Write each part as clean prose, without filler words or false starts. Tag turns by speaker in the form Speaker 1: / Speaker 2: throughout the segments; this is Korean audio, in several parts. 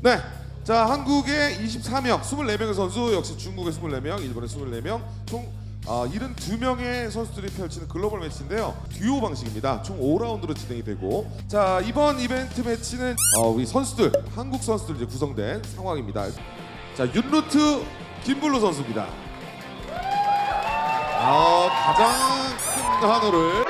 Speaker 1: 네. 자, 한국의 24명, 24명의 선수, 역시 중국의 24명, 일본의 24명, 총 72명의 선수들이 펼치는 글로벌 매치인데요. 듀오 방식입니다. 총 5라운드로 진행이 되고, 자, 이번 이벤트 매치는 우리 선수들, 한국 선수들 이제 구성된 상황입니다. 자, 윤루트 김블루 선수입니다. 가장 큰 한우를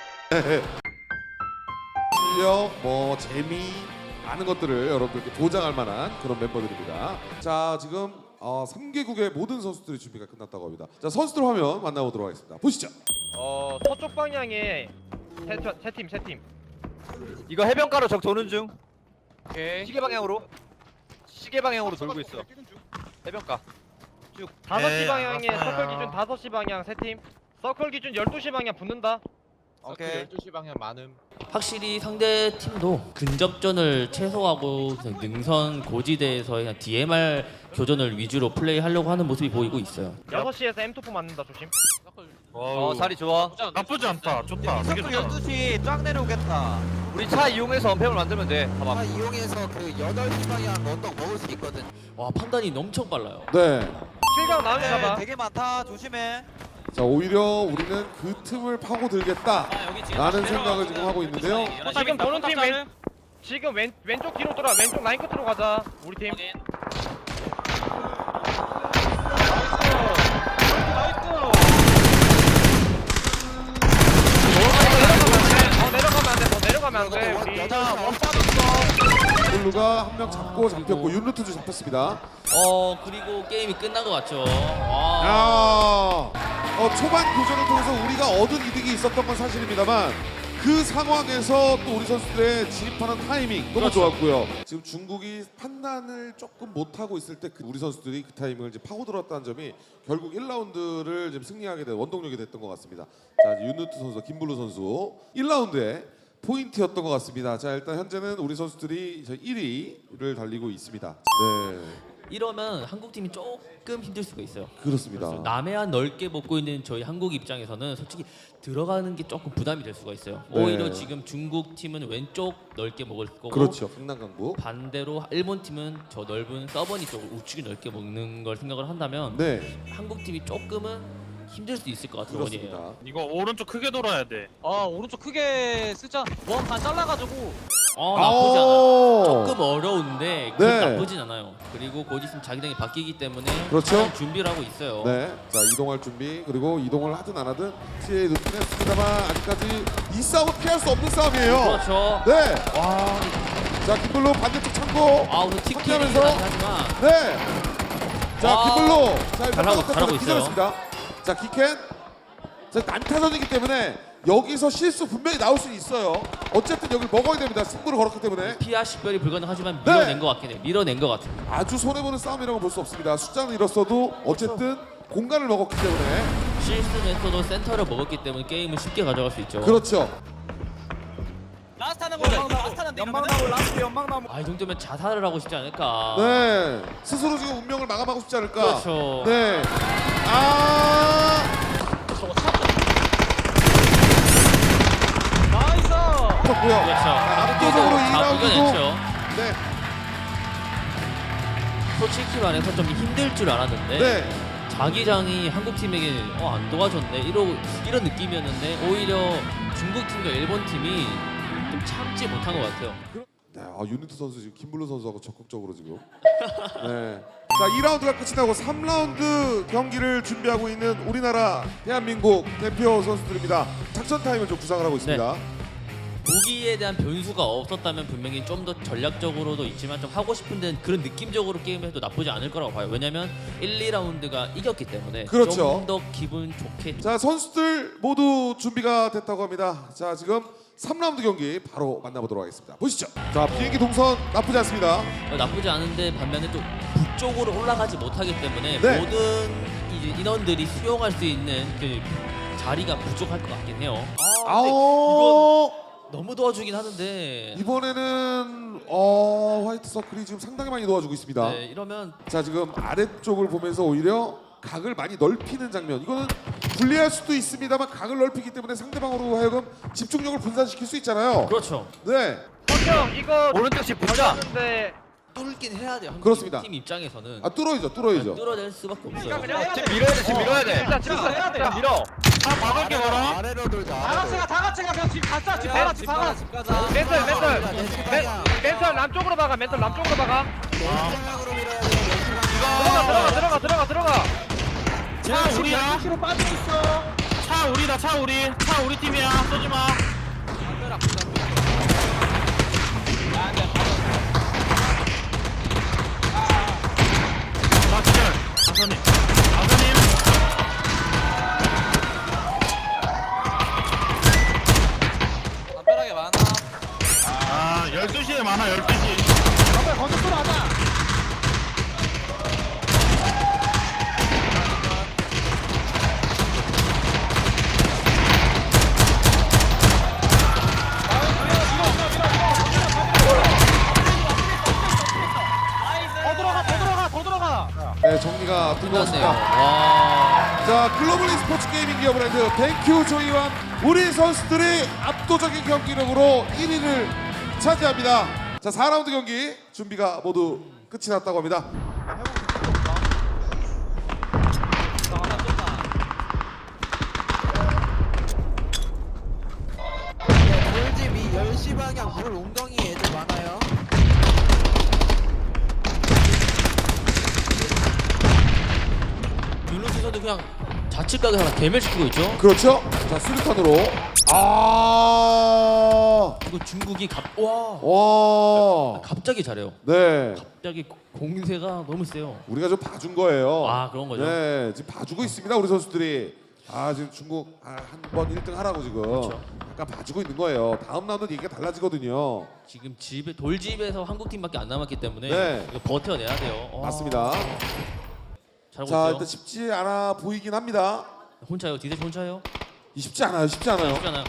Speaker 1: 실력, 재미, 많은 것들을 여러분들께 보장할 만한 그런 멤버들입니다. 자, 지금 3개국의 모든 선수들의 준비가 끝났다고 합니다. 자, 선수들 화면 만나보도록 하겠습니다. 보시죠.
Speaker 2: 서쪽 방향에 세 팀.
Speaker 3: 이거 해변가로 적 도는 중.
Speaker 2: 오케이.
Speaker 3: 시계 방향으로 돌고 있어. 해변가. 쭉.
Speaker 2: 5시 방향에 서클 기준 5시 방향 세 팀. 서클 기준 12시 방향 붙는다.
Speaker 3: 오케이.
Speaker 4: 12시 방향 많음.
Speaker 5: 확실히 상대 팀도 근접전을 최소화하고 그냥 능선 고지대에서 그냥 DMR 교전을 위주로 플레이하려고 하는 모습이 보이고 있어요.
Speaker 2: 6시에서 M2포 맞는다 조심.
Speaker 3: 자리 좋아.
Speaker 4: 나쁘지 않다. 좋다. 되게 좋다.
Speaker 6: 12시 쫙 내려오겠다.
Speaker 3: 우리 차 이용해서 언팸을 만들면 돼.
Speaker 6: 차
Speaker 3: 봐봐.
Speaker 6: 이용해서 그 8시 방향 언덕 먹을 수 있거든.
Speaker 5: 와, 판단이 엄청 빨라요.
Speaker 1: 네.
Speaker 2: 실각 나오면 잡아.
Speaker 6: 되게 많다. 조심해.
Speaker 1: 자, 오히려 우리는 그 틈을 파고들겠다 라는 생각을 지금 하고 있는데요.
Speaker 2: 지금 보는 팀 지금 왼쪽 뒤로 돌아. 왼쪽 라인 끝으로 가자. 우리 팀. 내려가면 안 돼. 더 내려가면 안 돼. 우리.
Speaker 1: 블루가 한 명 잡고 잡혔고 윤루트도 잡혔습니다.
Speaker 5: 그리고 게임이 끝난 것 같죠. 와.
Speaker 1: 초반 교전을 통해서 우리가 얻은 이득이 있었던 건 사실입니다만 그 상황에서 또 우리 선수들의 진입하는 타이밍 너무
Speaker 5: 그렇죠.
Speaker 1: 좋았고요. 지금 중국이 판단을 조금 못하고 있을 때 우리 선수들이 그 타이밍을 이제 파고들었다는 점이 결국 1라운드를 지금 승리하게 된 원동력이 됐던 것 같습니다. 자, 윤루트 선수, 김블루 선수 1라운드에 포인트였던 것 같습니다. 자, 일단 현재는 우리 선수들이 1위를 달리고 있습니다. 네,
Speaker 5: 이러면 한국 팀이 조금 힘들 수가 있어요.
Speaker 1: 그렇습니다.
Speaker 5: 남해안 넓게 먹고 있는 저희 한국 입장에서는 솔직히 들어가는 게 조금 부담이 될 수가 있어요.
Speaker 1: 네.
Speaker 5: 오히려 지금 중국 팀은 왼쪽 넓게 먹을 거고,
Speaker 1: 그렇죠. 강남강북.
Speaker 5: 반대로 일본 팀은 저 넓은 서버니 쪽을 우측이 넓게 먹는 걸 생각을 한다면
Speaker 1: 네,
Speaker 5: 한국 팀이 조금은 힘들 수 있을 것 같은
Speaker 1: 그렇습니다.
Speaker 5: 원이에요.
Speaker 4: 이거 오른쪽 크게 돌아야 돼.
Speaker 6: 오른쪽 크게 쓰자. 원 반 잘라가지고.
Speaker 5: 나쁘지 않아요. 조금 어려운데
Speaker 1: 네.
Speaker 5: 나쁘진 않아요. 그리고 곧 있으면 자기장이 바뀌기 때문에
Speaker 1: 그렇죠.
Speaker 5: 잘 준비를 하고 있어요.
Speaker 1: 네, 자, 이동할 준비, 그리고 이동을 하든 안 하든 TA에 놓긴 했습니다만 아직까지 이 싸움은 피할 수 없는 싸움이에요.
Speaker 5: 그렇죠.
Speaker 1: 네,
Speaker 5: 와,
Speaker 1: 자, 김블루 반대쪽 참고.
Speaker 5: 우선 틱틱이긴
Speaker 1: 확인하면서.
Speaker 5: 하지만
Speaker 1: 네, 자,
Speaker 5: 와.
Speaker 1: 김블루. 자,
Speaker 5: 잘하고 있어요.
Speaker 1: 기절했습니다. 자, 기켄. 자, 난타전이기 때문에 여기서 실수 분명히 나올 수 있어요. 어쨌든 여기 먹어야 됩니다. 승부를 걸었기 때문에
Speaker 5: 피아 식별이 불가능하지만
Speaker 1: 네.
Speaker 5: 밀어낸 것 같긴 해요. 밀어낸 것 같아요.
Speaker 1: 아주 손해보는 싸움이라고 볼 수 없습니다. 숫자는 잃었어도 어쨌든 공간을 먹었기 때문에
Speaker 5: 실수했어도 센터를 먹었기 때문에 게임을 쉽게 가져갈 수 있죠.
Speaker 1: 그렇죠.
Speaker 6: 라스트하는 거. 연막나무 라스트 연막나무.
Speaker 5: 이 정도면 자살을 하고 싶지 않을까.
Speaker 1: 네, 스스로 지금 운명을 마감하고 싶지 않을까.
Speaker 5: 그렇죠.
Speaker 1: 네.
Speaker 6: 나이스.
Speaker 1: 좋고요.
Speaker 5: 그렇죠.
Speaker 1: 압도적으로 이 라운드도
Speaker 5: 이겨냈죠.
Speaker 1: 네,
Speaker 5: 솔직히 말해서 좀 힘들 줄 알았는데
Speaker 1: 네,
Speaker 5: 자기장이 한국 팀에게 안 도와줬네 이런 느낌이었는데 오히려 중국 팀과 일본 팀이 좀 참지 못한 것 같아요.
Speaker 1: 네. 유니트 선수 지금 김블루 선수하고 적극적으로 지금. 네. 자, 2라운드가 끝이 나고 3라운드 경기를 준비하고 있는 우리나라 대한민국 대표 선수들입니다. 작전 타임을 좀 구상을 하고 있습니다.
Speaker 5: 무기에 대한 변수가 없었다면 분명히 좀 더 전략적으로도 있지만 좀 하고 싶은 데는 그런 느낌적으로 게임을 해도 나쁘지 않을 거라고 봐요. 왜냐면 1, 2라운드가 이겼기 때문에
Speaker 1: 그렇죠.
Speaker 5: 좀 더 기분 좋게.
Speaker 1: 자, 선수들 모두 준비가 됐다고 합니다. 자, 지금 3라운드 경기 바로 만나보도록 하겠습니다. 보시죠. 자, 비행기 동선 나쁘지 않습니다.
Speaker 5: 나쁘지 않은데 반면에 또 북쪽으로 올라가지 못하기 때문에
Speaker 1: 네.
Speaker 5: 모든 이제 인원들이 수용할 수 있는 그 자리가 부족할 것 같긴 해요. 근데 이건 너무 도와주긴 하는데.
Speaker 1: 이번에는 화이트 서클이 지금 상당히 많이 도와주고 있습니다.
Speaker 5: 네, 이러면
Speaker 1: 자, 지금 아래쪽을 보면서 오히려 각을 많이 넓히는 장면. 이거는 불리할 수도 있습니다만 각을 넓히기 때문에 상대방으로 하여금 집중력을 분산시킬 수 있잖아요.
Speaker 5: 그렇죠.
Speaker 1: 네.
Speaker 2: 형 이거
Speaker 3: 오른쪽 집 붙자.
Speaker 2: 걸렸는데
Speaker 5: 뚫긴 해야 돼요. 한국
Speaker 1: 그렇습니다.
Speaker 5: 팀 입장에서는
Speaker 1: 아 뚫어야죠, 뚫어야죠.
Speaker 5: 뚫어낼 수밖에 없어요.
Speaker 3: 지금 밀어야 돼 지금 밀어야 돼.
Speaker 2: 진짜 진짜 해야 돼. 밀어.
Speaker 4: 다 막을게 봐라.
Speaker 7: 아래로 돌자.
Speaker 6: 다 같이 가 그냥 집 가자 집 가자 집 가자 집 가자.
Speaker 2: 멘털 남쪽으로 박아. 멘털 남쪽으로 박아.
Speaker 7: 방향으로 밀어야 돼.
Speaker 2: 들어가.
Speaker 4: 차 우리야.
Speaker 6: 뒤로 빠지고 있어.
Speaker 4: 차 우리다. 차 우리 팀이야. 쏘지 마. 나 기절. 아버님.
Speaker 6: 담벼락에 많아.
Speaker 4: 아 12시에 많아 12시.
Speaker 6: 담벼락 건너 쏘러가자. 더 들어가.
Speaker 1: 네, 정리가 된 것
Speaker 5: 끝났네요.
Speaker 1: 같습니다.
Speaker 5: 와.
Speaker 1: 자, 글로벌 e스포츠 게이밍 기업 브랜드 땡큐 조이완 우리 선수들이 압도적인 경기력으로 1위를 차지합니다. 자, 4라운드 경기 준비가 모두 끝이 났다고 합니다.
Speaker 7: 돌집 이 10시 방향 물 웅덩이 애들 많아요.
Speaker 5: 윤호 선수도 그냥 좌측각에 하나 개멸시키고 있죠.
Speaker 1: 그렇죠? 자, 수류탄으로
Speaker 5: 이거 중국이 와.
Speaker 1: 와.
Speaker 5: 갑자기 잘해요.
Speaker 1: 네.
Speaker 5: 갑자기 공세가 너무 세요.
Speaker 1: 우리가 좀 봐준 거예요.
Speaker 5: 아, 그런 거죠?
Speaker 1: 네, 지금 봐주고 있습니다, 우리 선수들이. 아, 지금 중국 한 번 1등 하라고 지금
Speaker 5: 그렇죠.
Speaker 1: 약간 봐주고 있는 거예요. 다음 라운드 얘기가 달라지거든요.
Speaker 5: 지금 돌집에서 한국 팀밖에 안 남았기 때문에
Speaker 1: 네.
Speaker 5: 이거 버텨내야 돼요. 와.
Speaker 1: 맞습니다.
Speaker 5: 잘하고
Speaker 1: 자,
Speaker 5: 있어요.
Speaker 1: 일단 쉽지 않아 보이긴 합니다.
Speaker 5: 혼자요. 디데시 혼자요.
Speaker 1: 쉽지 않아요, 쉽지 않아요.
Speaker 5: 쉽잖아요.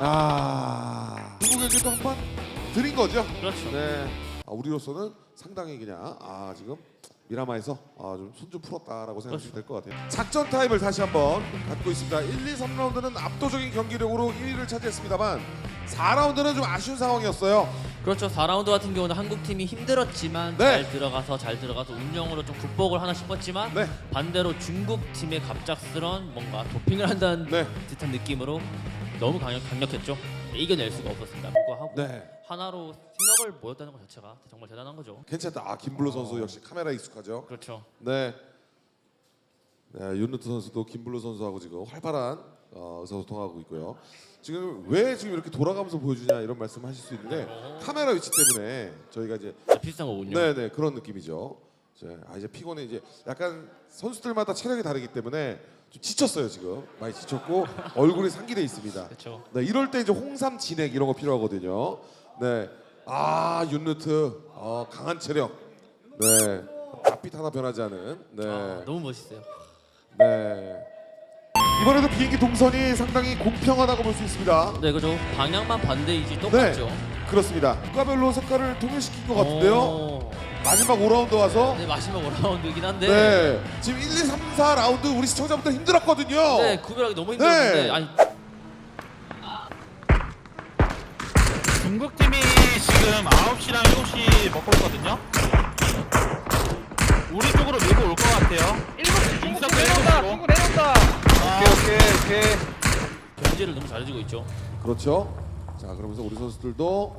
Speaker 1: 중국에게도 한 번 드린 거죠.
Speaker 5: 그렇죠.
Speaker 1: 네. 우리로서는 상당히 그냥 지금 미라마에서 좀 손 좀 풀었다라고 생각하시면 될 것 같아요. 작전 타임을 다시 한번 갖고 있습니다. 1, 2, 3라운드는 압도적인 경기력으로 1위를 차지했습니다만 4라운드는 좀 아쉬운 상황이었어요.
Speaker 5: 그렇죠. 4라운드 같은 경우는 한국 팀이 힘들었지만
Speaker 1: 네.
Speaker 5: 잘 들어가서 운영으로 좀 극복을 하나 싶었지만
Speaker 1: 네.
Speaker 5: 반대로 중국 팀의 갑작스런 뭔가 도핑을 한다는
Speaker 1: 네.
Speaker 5: 듯한 느낌으로 너무 강력했죠. 이겨낼 수가 없었습니다. 불구하고
Speaker 1: 네.
Speaker 5: 하나로 생각을 모였다는 것 자체가 정말 대단한 거죠.
Speaker 1: 괜찮다. 김블루 선수 역시 카메라 익숙하죠.
Speaker 5: 그렇죠.
Speaker 1: 네. 네, 윤루트 선수도 김블루 선수하고 지금 활발한 의사소통하고 있고요. 지금 왜 지금 이렇게 돌아가면서 보여주냐 이런 말씀하실 수 있는데 카메라 위치 때문에 저희가 이제
Speaker 5: 비슷한 거군요.
Speaker 1: 네네 그런 느낌이죠. 이제 피곤해 이제 약간 선수들마다 체력이 다르기 때문에 좀 지쳤어요 지금 많이 지쳤고 얼굴이 상기돼 있습니다.
Speaker 5: 그렇죠.
Speaker 1: 네 이럴 때 이제 홍삼 진액 이런 거 필요하거든요. 네. 윤루트 강한 체력. 네. 앞빛 하나 변하지 않은. 네.
Speaker 5: 너무 멋있어요.
Speaker 1: 네. 이번에도 비행기 동선이 상당히 공평하다고 볼 수 있습니다.
Speaker 5: 네, 그죠. 방향만 반대이지 똑같죠.
Speaker 1: 그렇습니다. 국가별로 색깔을 통일시킨 것 같은데요.
Speaker 5: 오.
Speaker 1: 마지막 5라운드 와서
Speaker 5: 네, 마지막 5라운드이긴 한데.
Speaker 1: 네. 지금 1, 2, 3, 4라운드 우리 시청자분들 힘들었거든요.
Speaker 5: 네, 구별하기 너무 힘들었는데.
Speaker 1: 네.
Speaker 5: 아니,
Speaker 4: 중국 팀이 지금 9시랑 7시 먹고 있거든요. 우리 쪽으로 밀고 올 것 같아요.
Speaker 2: 중국 내려온다. 중국 내려온다.
Speaker 3: 오케이.
Speaker 5: 견제를 너무 잘해주고 있죠.
Speaker 1: 그렇죠. 자, 그러면서 우리 선수들도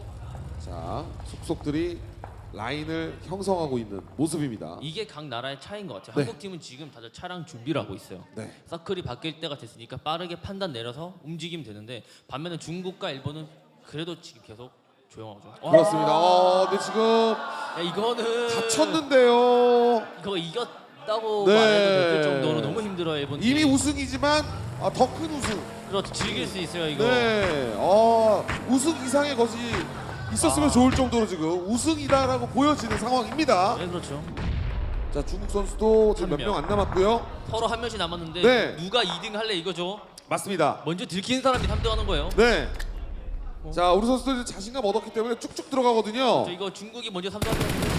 Speaker 1: 속속들이 라인을 형성하고 있는 모습입니다.
Speaker 5: 이게 각 나라의 차이인 것 같아요.
Speaker 1: 네.
Speaker 5: 한국 팀은 지금 다들 차량 준비를 하고 있어요.
Speaker 1: 네.
Speaker 5: 서클이 바뀔 때가 됐으니까 빠르게 판단 내려서 움직이면 되는데 반면에 중국과 일본은 그래도 지금 계속 조용하죠.
Speaker 1: 그렇습니다. 근데 지금
Speaker 5: 야, 이거는
Speaker 1: 다쳤는데요.
Speaker 5: 이거 이겼다고
Speaker 1: 네.
Speaker 5: 말해도 될 정도로 너무 힘들어요 일본 팀.
Speaker 1: 이미 우승이지만 더 큰 우승.
Speaker 5: 그렇죠. 즐길 수 있어요 이거.
Speaker 1: 네. 우승 이상의 것이 있었으면 좋을 정도로 지금 우승이다라고 보여지는 상황입니다.
Speaker 5: 네, 그렇죠.
Speaker 1: 자, 중국 선수도 지금 몇 명 안 남았고요.
Speaker 5: 서로 한 명씩 남았는데
Speaker 1: 네.
Speaker 5: 누가 2등 할래 이거죠.
Speaker 1: 맞습니다.
Speaker 5: 먼저 들키는 사람이 3등 하는 거예요.
Speaker 1: 네. 자, 우리 선수들 자신감 얻었기 때문에 쭉쭉 들어가거든요.
Speaker 5: 저 이거 중국이 먼저 3등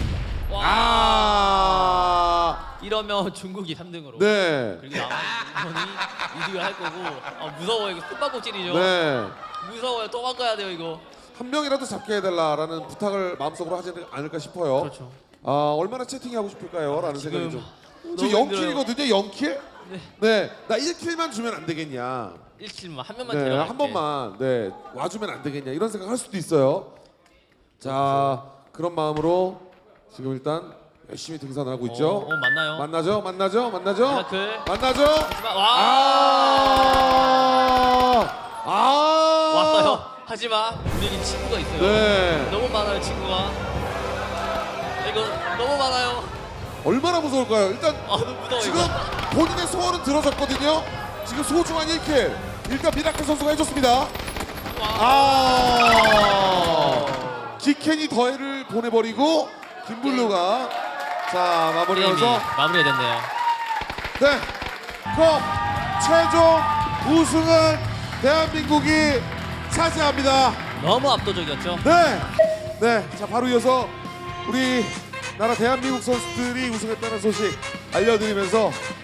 Speaker 5: 와. 이러면 중국이 3등으로.
Speaker 1: 네.
Speaker 5: 그리고 남한이 2등을 할 거고. 무서워요. 이거 숨바꼭질이죠.
Speaker 1: 네.
Speaker 5: 무서워요. 도망가야 돼요 이거.
Speaker 1: 한 명이라도 잡게 해달라라는 부탁을 마음속으로 하지 않을까 싶어요.
Speaker 5: 그렇죠.
Speaker 1: 얼마나 채팅하고 싶을까요? 라는 생각이 좀. 지금
Speaker 5: 너무 힘들어요.
Speaker 1: 0킬이거든요. 0킬? 네. 나 1킬만 주면 안 되겠냐.
Speaker 5: 1킬만 한 명만
Speaker 1: 네,
Speaker 5: 데려갈게.
Speaker 1: 한 번만 네 와주면 안 되겠냐 이런 생각 할 수도 있어요. 자, 그런 마음으로 지금 일단 열심히 등산을 하고 있죠.
Speaker 5: 만나요.
Speaker 1: 만나죠.
Speaker 5: 미라클.
Speaker 1: 만나죠.
Speaker 5: 하지만 와 왔어요. 하지만 우리는 친구가 있어요.
Speaker 1: 네.
Speaker 5: 너무 많아요 친구가. 이거 너무 많아요.
Speaker 1: 얼마나 무서울까요? 일단
Speaker 5: 너무 무서워
Speaker 1: 지금
Speaker 5: 이거.
Speaker 1: 본인의 소원은 들어졌거든요. 지금 소중한 1킬 일단 미라클 선수가 해줬습니다. 기켄이 더해를 보내버리고 김블루가 자
Speaker 5: 게임이
Speaker 1: 마무리하면서
Speaker 5: 마무리가 됐네요.
Speaker 1: 네 그럼 최종 우승은 대한민국이 차지합니다.
Speaker 5: 너무 압도적이었죠.
Speaker 1: 네, 자 바로 이어서 우리 나라 대한민국 선수들이 우승했다는 소식 알려드리면서